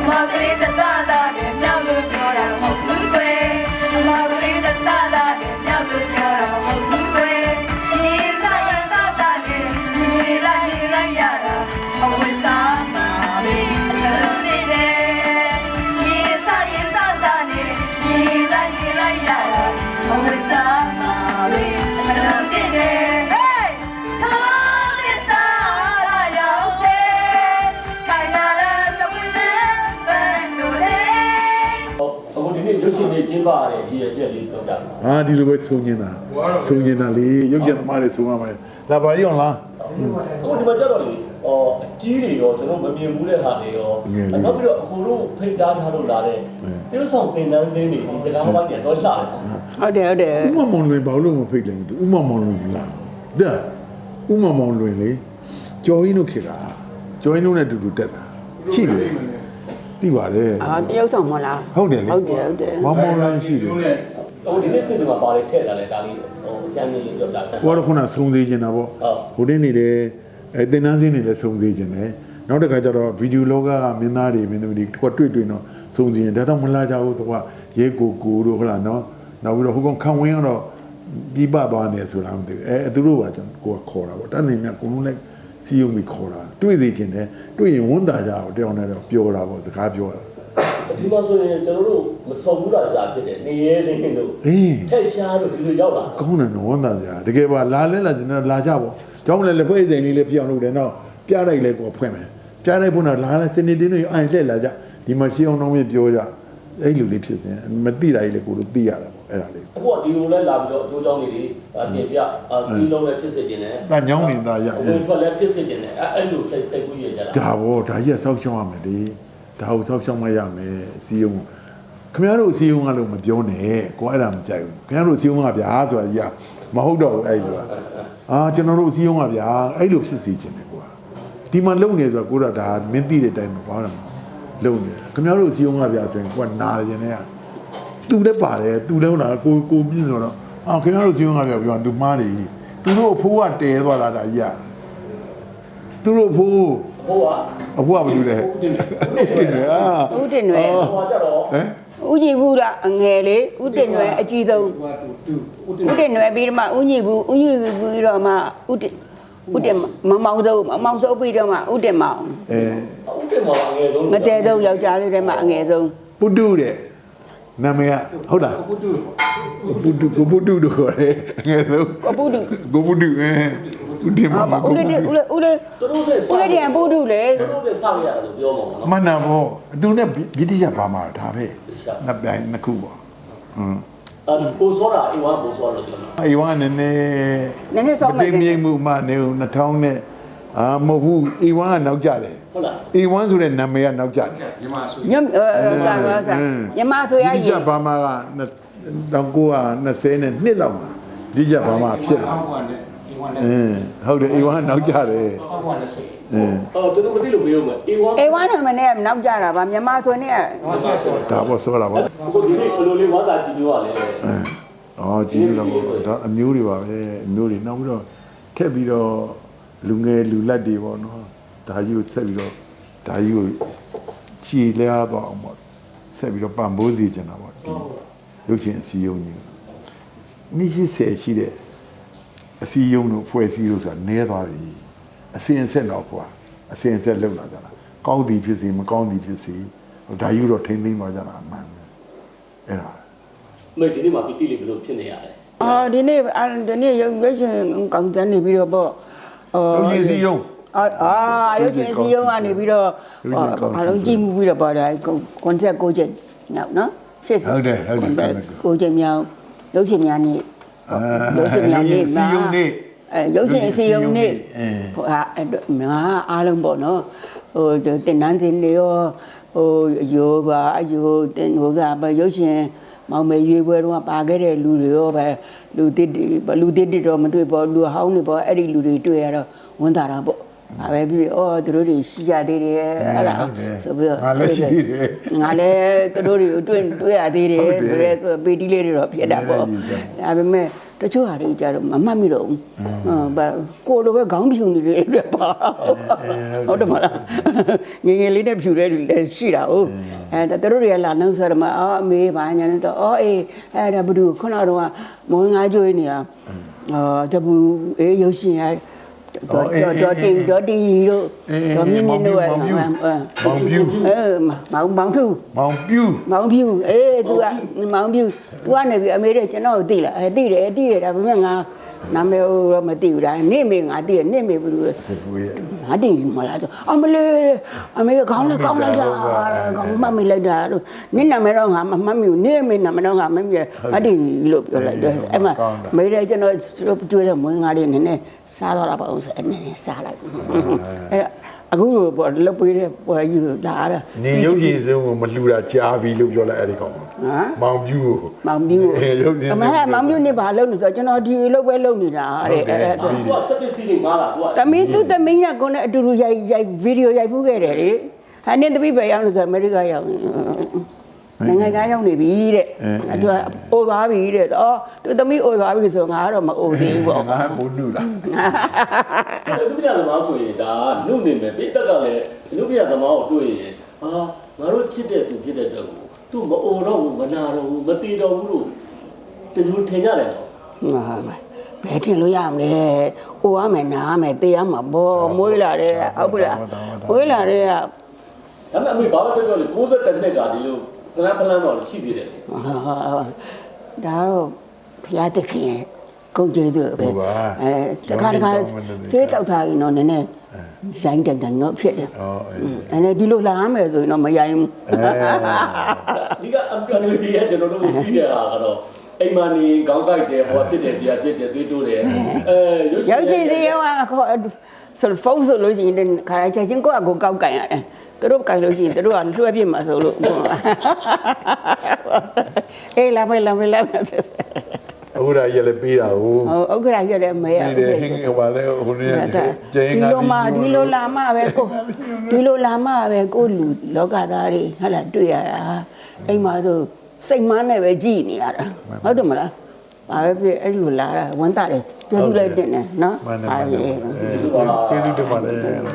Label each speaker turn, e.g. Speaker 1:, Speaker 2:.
Speaker 1: ပါတယ်ဒီရဲ့ချက်လေးတော့တာ
Speaker 2: ဒီလိုပဲဆုံးနေတာလေရုပ်ကြံသမားတွေဆုံးရမယ်လာပါရောလား
Speaker 1: အခုဒီမှာကြတော့လေအကြီးတွေရောကျွန်တော်မမြင်ဘူးတဲ့ဟာတွေရောနောက်ပြီးတော့အခုတို့ဖိတ်ကြားထားလို့လာတဲ့ပြုဆောင်တင်တန်းစင်းတွေဒီစကားဝိုင်းပြန်တော့လှတယ်
Speaker 3: ဟုတ်တယ်
Speaker 2: ဥမမောင်လွင်ဘာလို့မဖိတ်လဲမသိဥမမောင်လွင်လားဒါဥမမောင်လွင်လေကျော်ရင်းတို့ခေတာကျော်ရင်းတို့နဲ့တူတူတက်တာချိတယ်သိပါတယ်
Speaker 3: တရုတ်ဆောင်မလား
Speaker 2: ဟုတ်တယ်လေ
Speaker 3: ဟုတ်တယ်
Speaker 2: မောင်မောင်လွင်ရှိတယ်
Speaker 1: ဟိုဒီနေ့စစ်တွေမှာပါလေထည့်လာလဲဒါလေးအချမ်းလေးပြောပြတာ
Speaker 2: ဟိုကတော့ခုနစုံသေးခြင်းတာပေါ့ဟိုတင်းနေတယ်တင်နန်းစင်းနေလဲစုံသေးခြင်းတယ်နောက်တစ်ခါကျတော့ဗီဒီယိုလောကကမင်းသားတွေမင်းသမီးတွေတွေ့တော့စုံစင်းဒါတော့မလာကြဘူးသူကရဲကိုတို့ဟုတ်လားနော်နောက်ပြီးတော့ဟိုကောင်ခံဝင်းကတော့ပြီးပသွားနေဆိုတာမသိဘူးသူတို့ကကျွန်တော်ကိုကခေါ်တာပေါ့တန်းနေမြတ်ကိုလုံးလိုက်စီယုံပြီးခေါ်တာတွေ့သေးခြင်းတယ်တွေ့ရင်ဝန်တာကြအောင်တယောက်နဲ့တော့ပြောတာပေါ့စကားပြောတာ
Speaker 1: ဒီမှာဆိုရင်ကျွန်တော်တို့မဆုံးဘူးလားကြာဖြစ်တယ်နေရဲလေးတို့ထက်ရှားတို့ဒီလိုရောက်လာ
Speaker 2: ကောင်းတယ်နော်ဝန်တာကြတကယ်ပါလာလဲကျွန်တော်လာကြပေါ့ကျောင်းလည်းလက်ဖွဲ့စိန်လေးလည်းပြောင်းလို့တယ်နော်ပြလိုက်လဲကိုဖွင့်မယ်ပြလိုက်ဖို့တော့လာလဲစနေတင်းတွေအိုင်လှည့်လာကြဒီမှာရှင်းအောင်တော့မပြောကြအဲ့လူလေးဖြစ်စဉ်မသိတာကြီးလေကိုတို့သိရတာပေါ့အဲ့ဒါလေး
Speaker 1: အခုကဒီလိုလဲလာပြီးတော့အကျိုးကြောင့်နေတွေပြင်ပြစီးလုံးလည်းဖြစ်စေခြင်းနဲ့
Speaker 2: ဒါညောင်းနေတာရ
Speaker 1: ဝင်ထွက်လည်းဖြစ်စေခြင်းနဲ့အဲ့လိုစိတ်ကူးရကြတာ
Speaker 2: ဒါပေါ့ဒါကြီးကစောက်ရှောင်းရမယ်လေဒါကိုစောက်ရှောင်းမရမယ်စီယုံခင်ဗျားတို့စီယုံကလို့မပြောနဲ့ကိုအဲ့ဒါမကြိုက်ဘူးခင်ဗျားတို့စီယုံကဗျာဆိုတာကြီးကမဟုတ်တော့ဘူးအဲ့လိုကျွန်တော်တို့စီယုံကဗျာအဲ့လိုဖြစ်စီခြင်းတယ်ကွာဒီမှာလုံနေဆိုတော့ကိုတော့ဒါမင်းသိတဲ့အတိုင်းမပါတော့လုံနေခင်ဗျားတို့စီယုံကဗျာဆိုရင်ကိုကနာတယ်နေရသူလည်းပါတယ်သူလည်းဟုတ်လားကိုပြင်းဆိုတော့ခင်ဗျားတို့စီယုံကဗျာပြောသူမှားတယ်သူတို့အဖိုးကတဲသွားတာဒါကြီးကသူတို့အဖိုးအဖိုးကဘာလုပ်လဲ
Speaker 3: ဦးတင်ရွယ်
Speaker 1: ဟိုကြတော့
Speaker 3: ဦးညီဘူးလားအငယ်လေးဦးတင်ရွယ်အကြီးဆုံးဦးတင်ရွယ်ပြီးတော့မှဦးညီဘူးပြီးတော့မှဦးတင်မောင်စိုးပြီးတော့မှဦးတင်မောင်
Speaker 1: ဦးတင်မောင်အငယ်ဆုံး
Speaker 3: ငတဲဆုံးယောက်ျားလေးတွေမှာအငယ်ဆုံး
Speaker 2: ပုတုတဲ့နာမည်ကဟုတ်လားပုတုတို့ခေါ်တယ်ငယ်ဆုံး
Speaker 3: ပုတု
Speaker 2: ဦးတင်မောင်
Speaker 3: ဦးလေးပုတုလေ
Speaker 1: သူတို့နဲ့ဆောက်ရတယ်လို့ပြောမှာနော်
Speaker 2: မနာဘောသူနဲ့ဗြိတိရှဘာမှာဒါပဲနှစ်ပြိုင်နှစ်ခုပေါ့
Speaker 1: ပိုစောတာအိမ်ဝါပိုစောလို့ပြော
Speaker 2: တာအိမ်ဝါနည်းနည်း
Speaker 3: ဆောက်
Speaker 2: မယ်တင်းမြင့်မှုမှနေ2000နဲ့မဟုတ်ဘူးအိမ်ဝါကနောက်ကျတယ်
Speaker 1: ဟုတ်လား
Speaker 2: အိမ်ဝါဆိုတဲ့နာမည်ကနောက်ကျတယ်
Speaker 3: မြန်မာဆိုရ
Speaker 2: ဗြိတိရှဘာမှာက1920နဲ့နှစ်လောက်မှာဗြိတိရှဘာမှာဖြစ်လာဟုတ်တယ်အိမ်ဝါနောက်ကျတယ်
Speaker 1: တော်တော်မသိလို့ပြောမယ်
Speaker 3: အိမ်ဝါနာမည်နဲ့နောက်ကျတာပါမြန်မာဆိုနေ
Speaker 2: ဒါပေါ့ဆိုလာပါ
Speaker 1: အခုဒီနေ့ဘယ်လိုလေးဝါသာကြည့်ပြောရလဲ
Speaker 2: ကြည့်လို့တော့အမျိုးတွေပါပဲအမျိုးတွေနောက်ပြီးတော့ထက်ပြီးတော့လူငယ်လူလက်တွေပေါ့နော်ဒါကြီးကိုဆက်ပြီးတော့ဒါကြီးကိုခြေလဲသွားအောင်ပေါ့ဆက်ပြီးတော့ပံ့ပိုးစီချင်တာပေါ့ဒီရုပ်ရှင်အစည်းအရုံးကြီးနေ့80ရှိတဲ့အစည်းအရုံးတို့ဖွဲ့စည်းလို့ဆိုတာနဲသွားပြီအစင်အဆက်တော့ကွာအစင်အဆက်လောက်လာကြတာကောင်းသည်ဖြစ်စီမကောင်းသည်ဖြစ်စီဒါယူတော့ထိမ့်သိမ်းသွားကြတာအမှန်အဲ့ဒါ
Speaker 1: မေဒီနေ့မှာတိလေးဘယ်လိုဖြစ်နေရလဲ
Speaker 3: ဒီနေ့ရုပ်ရှင်ကောင်းတဲ့နေပြီးတော့ပေါ့
Speaker 2: ရုပ်ရှင်စီယုံ
Speaker 3: ရုပ်ရှင်စီယုံကနေပြီးတော့အလုံးကြည့်မှုပြီးတော့ပေါ့ဒါကွန်ဆက်6ချက်မြောက်နော်
Speaker 2: ဟုတ်တယ်
Speaker 3: 6ချက်မြောက်ရုပ်ရှင်များနေရုပ်ရှင်များနေ
Speaker 2: စီယုံနေ
Speaker 3: ရုပ်ရှင်စီယုံနေဟိုအားလုံးပေါ့နော်ဟိုတင်နန်းစင်းတွေရောဟိုယောပါတင်ဟိုကရုပ်ရှင်မောင်မေရွေးပွဲတော့ပါခဲ့တဲ့လူတွေရောပဲလူတစ်တော့မတွေ့ပေါ့လူဟောင်းတွေပေါ့အဲ့ဒီလူတွေတွေ့ရတော့ဝန်တာတာပေါ့ဒါပဲပြီးသူတို့တွေရှိကြသေးတယ်အဲ့ဒါဆိုပြီးတော့
Speaker 2: ငါလည်းရှိသေးတယ်
Speaker 3: ငါလည်းသူတို့တွေကိုတွေ့ရသေးတယ်ဆိုရဲဆိုပေတီးလေးတွေတော့ဖြစ်တာပေါ့ဒါပေမဲ့တချို့ဟာတွေကြတော့မမှတ်မိတော့ဘူးကိုလိုပဲခေါင်းဖြူနေတယ်ပြပါဟုတ်တယ်မလားငငယ်လေးနဲ့ဖြူတဲ့လူလည်းရှိတာဟုတ်သူတို့တွေကလာနှုတ်ဆက်တယ်မှာအော်အမေဘာညာနဲ့တော့အော်အေးအဲ့ဒါဘဒူခုနကတော့မွေးငါးကြွေးနေတာတပူအေးရုပ်ရှင်ရတော့တင်တို့မြင်းတို့တို့မောင်ပြူမောင်ဖြူအေး तू ကမောင်ဖြူ तू ကနေပြီးအမေတဲ့ကျွန်တော်သိလားသိတယ်ဒါပေမဲ့ငါနာမည်တော့မသိဘူးဒါနေမေငါသိတယ်နေမေဘူးလို့ငါတည်မလားဆိုအမလေးအမေကောင်းလိုက်တာကောင်းမမေးလိုက်တာလို့နင့်နာမည်တော့ငါမမှတ်မိဘူးနေမေနာမည်တော့ငါမမှတ်မိဘူးငါတည်လို့ပြောလိုက်တယ်အဲ့မှာမေးတယ်ကျွန်တော်ကျွေးတဲ့မွေးငါလေးနည်းနည်းစားတော့တာပါအောင်နည်းနည်းစားလိုက်အဲ့အခုပေါ့လုတ်ပေးတဲ့ပွဲယူလာတာ
Speaker 2: နေရုပ်ရှင်စင်းကိုမလှူတာကြားပြီလို့ပြောလိုက်အဲ့ဒီကောင်မောင်ပြူရုပ်ရှင်
Speaker 3: အမေမောင်ပြူနေပါလို့ဆိုကျွန်တော်ဒီလုတ်ပဲလုတ်နေတာတဲ့အဲ့ဒါ
Speaker 1: သူကစပစ်စီတွေမားလာသူက
Speaker 3: သမီးသူသမီးကကိုနဲ့အတူတူရိုက်ဗီဒီယိုရိုက်ဖူးခဲ့တယ်လေဟာနေသမီးပဲရောက်လို့ဆိုအမေရိကရောက်နိုင်ငံကရောက်နေပြီတဲ့သူကအိုသွားပြီတဲ့အော်သူသမီးအိုသွားပြီဆိုငါကတော့မအိုသေးဘူးပေါ့
Speaker 2: ငါမိုးနုလား
Speaker 1: လူပြသမားဆိုရင်ဒါနုနေမယ်ပိတက်ကလည်းလူပြသမားကိုတွေ့ရင်ဟာငါတို့ချစ်တဲ့သူဖြစ်တဲ့အတွက်ကိုသူမအိုတော့ဘူးမနာတော့ဘူးမတီတော့ဘူးလို့တလူထင်ကြတယ်နော်
Speaker 3: ဘယ်ထင်လို့ရမလဲအိုရမယ်နားမယ်တေးရမှာပေါ့မွေးလာတဲ့ဟုတ်ဘူးလားမွေးလာတဲ့
Speaker 1: ဒါပေမဲ့အမေဘာလို့ပြောလဲ60နှစ်ကဒီလိုဖလန်းတော့ရှိသေးတယ်
Speaker 3: ဒါတော့ဖျားတခင်ကုန်ကျေးဇူးပဲတခါဆေးတောက်ထားရင်တော့နည်းနည်းရိုင်းတိုင်တော့ဖြစ်တယ်အဲ့ဒါဒီလိုလာမယ်ဆိုရင်တော့မရိုင်းဘူး
Speaker 1: ဒီကအပြောနေပြီကျွန်တော်တို့ပြီးတဲ့ဟာကတော့အိမ်မနေခေါင်းကိုက်တယ်ဟောဖြစ်တယ်တရားဖြစ်တယ်သွေးတိုးတယ်
Speaker 3: ရုပ်ရှင်စီရောခေါ်ဆိုဖုန်းဆိုလို့ရှိရင်ခါချချင်းကိုယ့်အကိုကောက်ကင်ရတယ်သူတို့ကင်လို့ရှိရင်သူတို့ကလွှဲပြစ်မှာဆိုလို့အေးလာမယ်
Speaker 2: အခုဒါရလည်းပေးတာဟုတ်
Speaker 3: အခုဒါရလည်းမဲ
Speaker 2: ဟင်းကဘာလဲဟိုနေ့ကျင်းက
Speaker 3: ဒီလိုလာမှပဲကိုလူလောကသားတွေဟုတ်လားတွေ့ရတာအိမ်မှာဆိုစိတ်မနဲ့ပဲကြည်နေရတာဟုတ်တယ်မလားဘာပဲဖြစ်အဲ့လိုလာတာဝန်တာတယ်ကျေးဇူးလိုက်တင်တယ်နော်
Speaker 2: ကျေးဇူးတင်ပါတယ်